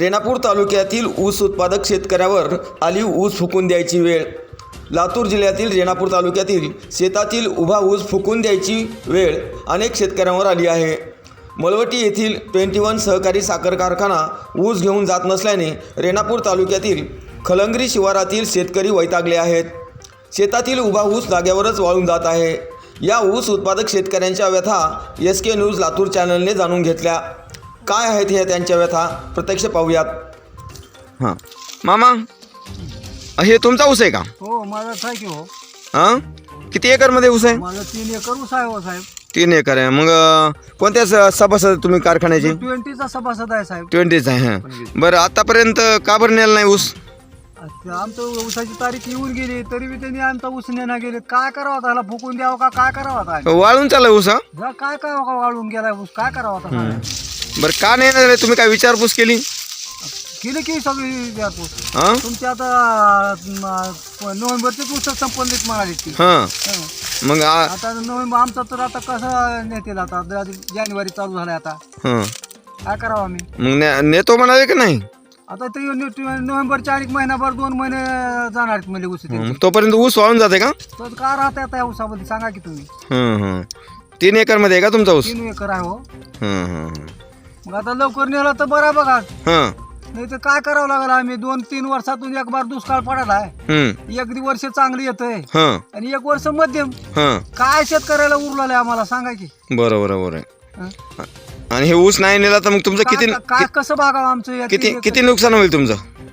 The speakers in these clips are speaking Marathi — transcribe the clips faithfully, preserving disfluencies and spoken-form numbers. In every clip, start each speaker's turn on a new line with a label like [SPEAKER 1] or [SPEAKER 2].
[SPEAKER 1] रेणापूर तालुक्यातील ऊस उत्पादक शेतकऱ्यावर आली ऊस फुकून द्यायची वेळ। लातूर जिल्ह्यातील रेणापूर तालुक्यातील शेतातील उभा ऊस फुकून द्यायची वेळ अनेक शेतकऱ्यांवर आली आहे। मळवटी येथील ट्वेंटी वन सहकारी साखर कारखाना ऊस घेऊन जात नसल्याने रेणापूर तालुक्यातील खलंगरी शिवारातील शेतकरी वैतागले आहेत। शेतातील उभा ऊस जाग्यावरच वाळून जात आहे। या ऊस उत्पादक शेतकऱ्यांच्या व्यथा एस के न्यूज लातूर चॅनलने जाणून घेतल्या। काय आहेत हे त्यांच्या व्यथा प्रत्यक्ष पाहूयात। हां मामा, हे तुमचा ऊस आहे का?
[SPEAKER 2] हो, माझाच आहे की हो।
[SPEAKER 1] हां, किती एकरमध्ये ऊस आहे?
[SPEAKER 2] माझा तीन एकर ऊस आहे हो साहेब।
[SPEAKER 1] तीन एकर आहे। मग अ, कोणत्या स- सभासद तुम्ही कारखान्याचे?
[SPEAKER 2] ट्वेंटीचा सभासद आहे साहेब।
[SPEAKER 1] ट्वेंटीच आहे। हां, बरं आतापर्यंत का बरं नेलं नाही ऊस?
[SPEAKER 2] ते आमचं ऊसाची तारीख येऊन गेली तरी बी त्यांनी आमचा ऊस नेना गेले। काय करावं त्याला, फुकून द्यावं का काय करावं आता?
[SPEAKER 1] वाळून चाललं ऊस? हा,
[SPEAKER 2] जा काय काय का वाळून गेलाय ऊस, काय करावं आता?
[SPEAKER 1] बरं का नाही झालं? तुम्ही काय विचारपूस केली?
[SPEAKER 2] केली की सगळी विचारपूस।
[SPEAKER 1] हां
[SPEAKER 2] तुमची आता म, नोव्हेंबरचीच ऊस संपन्नित म्हणाली ती।
[SPEAKER 1] हां,
[SPEAKER 2] हं.
[SPEAKER 1] मग आ-
[SPEAKER 2] आता नोव्हेंबर आमचा तर आता कसं नेतील आता, जानेवारी चालू झालाय आता,
[SPEAKER 1] हां,
[SPEAKER 2] काय करावं आम्ही?
[SPEAKER 1] मग ने- नेतो म्हणाले की नाही?
[SPEAKER 2] आता ते नोव्हेंबरच्या आणि महिनाभर दोन महिने जाणार आहेत म्हणजे ऊस ते।
[SPEAKER 1] हं, तोपर्यंत ऊस वाळून जाते का?
[SPEAKER 2] तर का राहते आता या ऊसामध्ये सांगा की तुम्ही?
[SPEAKER 1] हं हं, तीन एकरमध्ये आहे का तुमचा ऊस?
[SPEAKER 2] तीन एकर आहे हो।
[SPEAKER 1] हं हं
[SPEAKER 2] मग आता लवकर नेला तर बरा बघा,
[SPEAKER 1] हं
[SPEAKER 2] नाही तर काय करावं लागेल? आम्ही दोन तीन वर्षातून एक बार दुष्काळ पडत आहे,
[SPEAKER 1] हं
[SPEAKER 2] एक दि- वर्ष चांगली येतंय
[SPEAKER 1] हं
[SPEAKER 2] आणि एक वर्ष मध्यम।
[SPEAKER 1] हं,
[SPEAKER 2] काय शेतकऱ्याला उरलेलं आहे आम्हाला सांगा की?
[SPEAKER 1] बरोबर बरोबर आहे।
[SPEAKER 2] हं?
[SPEAKER 1] आणि हे ऊस नाही नेला तर मग तुमचं किती
[SPEAKER 2] काय काय कसं भागावं आमचं या
[SPEAKER 1] किती
[SPEAKER 2] तीन
[SPEAKER 1] किती नुकसान होईल तुमचं?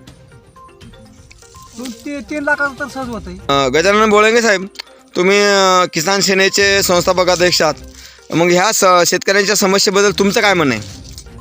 [SPEAKER 2] एकर- दोन- ती- तीन लाखाचं तर सहज होतंय।
[SPEAKER 1] अं, गजानन बोळंगे साहेब, तुम्ही अं, किसान सेनेचे संस्थापक अध्यक्ष आहात। मग ह्या स- शेतकऱ्यांच्या समस्येबद्दल तुमचं काय म्हणणं आहे?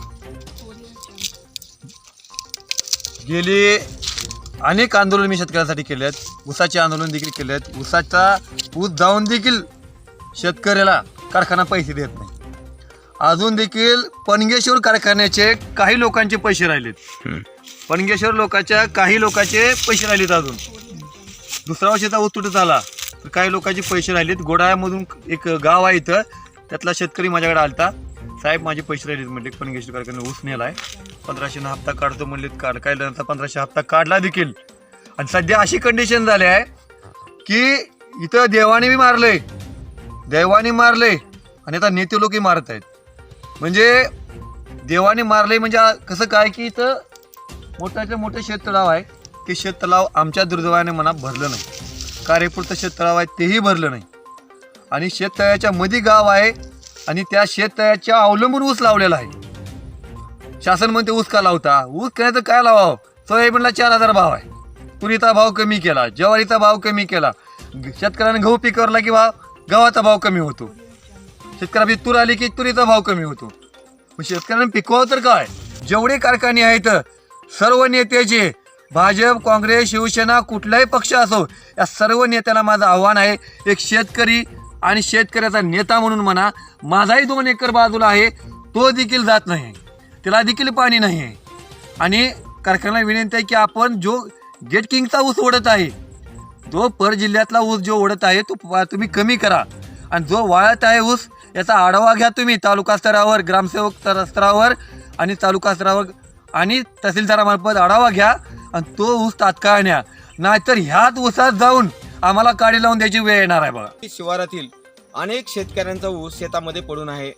[SPEAKER 3] गेली अनेक आंदोलन मी शेतकऱ्यांसाठी केले आहेत। ऊसाचे आंदोलन देखील केले आहेत। ऊसाचा ऊस जाऊन देखील शेतकऱ्याला कारखाना पैसे देत नाही। अजून देखील पणगेश्वर कारखान्याचे काही लोकांचे पैसे राहिलेत। पणगेश्वर लोकांच्या काही लोकांचे पैसे राहिलेत अजून। दुसरा वर्षाचा ऊस तुटत आला तर काही लोकांचे पैसे राहिलेत। गोडाळ्यामधून एक गाव आहे इथं, त्यातला शेतकरी माझ्याकडे आलता, साहेब माझे पैसे राहिलेत म्हणले, पणगेश्वर कारखान्याने ऊस नेलाय, पंधराशे न हप्ता काढतो म्हणलेत, काढ काय नंतर पंधराशे हप्ता काढला देखील। आणि सध्या अशी कंडिशन झाली आहे की इथं देवाने बी मारले, देवाने मारले आणि आता नेते लोकही मारत आहेत। म्हणजे देवाने मारले म्हणजे कसं काय की इथं मोठ्याचं मोठं शेततळाव आहे, ते शेततळाव आमच्या दुर्दैवाने म्हणा भरलं नाही। कार्यपुरतं शेततळाव आहे तेही भरलं नाही। आणि शेततळ्याच्या मध्ये गाव आहे आणि त्या शेततळ्याच्या अवलंबून ऊस लावलेला आहे। शासन म्हणते ऊस का लावता? ऊस करायचं काय लावावं? सोयाबीनला चार हजार भाव आहे, तुरीचा भाव कमी केला, ज्वारीचा भाव कमी केला, शेतकऱ्याने गहू पिकवला की भाव गव्हाचा भाव कमी होतो, शेतकऱ्याची तूर आली की तुरीचा भाव कमी होतो। मग शेतकऱ्यांना पिकवावं तर काय? जेवढे कारखाने आहेत सर्व नेत्याचे, भाजप काँग्रेस शिवसेना कुठलाही पक्ष असो, या सर्व नेत्यांना माझं आव्हान आहे, एक शेतकरी आणि शेतकऱ्याचा नेता म्हणून म्हणा, माझाही दोन एकर बाजूला आहे, तो देखील जात नाही, त्याला देखील पाणी नाही आहे। आणि कारखान्याला विनंती आहे की आपण जो गेट किंगचा ऊस ओढत आहे, जो पर जिल्ह्यातला ऊस जो ओढत आहे तो प- तुम्ही कमी करा, आणि जो वाळत आहे ऊस याचा आढावा घ्या तुम्ही तालुका स्तरावर, ग्रामसेवक स्तर- स्तरावर आणि तालुका स्तरावर आणि तहसीलदारामार्फत आढावा घ्या आणि तो ऊस तात्काळ न्या, नाहीतर ह्याच ऊसात जाऊन आम्हाला काडी लावून द्यायची वेळ येणार आहे बघा।
[SPEAKER 1] शिवारातील अनेक शेतकऱ्यांचा ऊस शेतामध्ये पडून आहे।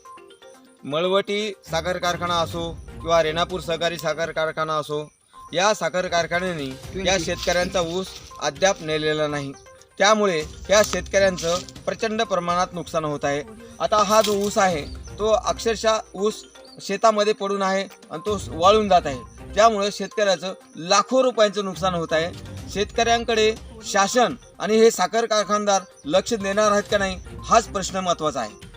[SPEAKER 1] मळवटी साखर कारखाना असो किंवा रेणापूर सहकारी साखर कारखाना असो, या साखर कारखान्याने या शेतकऱ्यांचा ऊस अद्याप नेलेला नाही। त्यामुळे या शेतकऱ्यांचं प्रचंड प्रमाणात नुकसान होत आहे। आता हा जो ऊस आहे तो अक्षरशः ऊस शेतामध्ये पडून आहे आणि तो वाळून जात आहे। त्यामुळे शेतकऱ्याचं लाखो रुपयांचं नुकसान होत आहे। शेतकऱ्यांकडे शासन आणि हे साखर कारखानदार लक्ष देणार आहेत का नाही, हाच प्रश्न महत्त्वाचा आहे।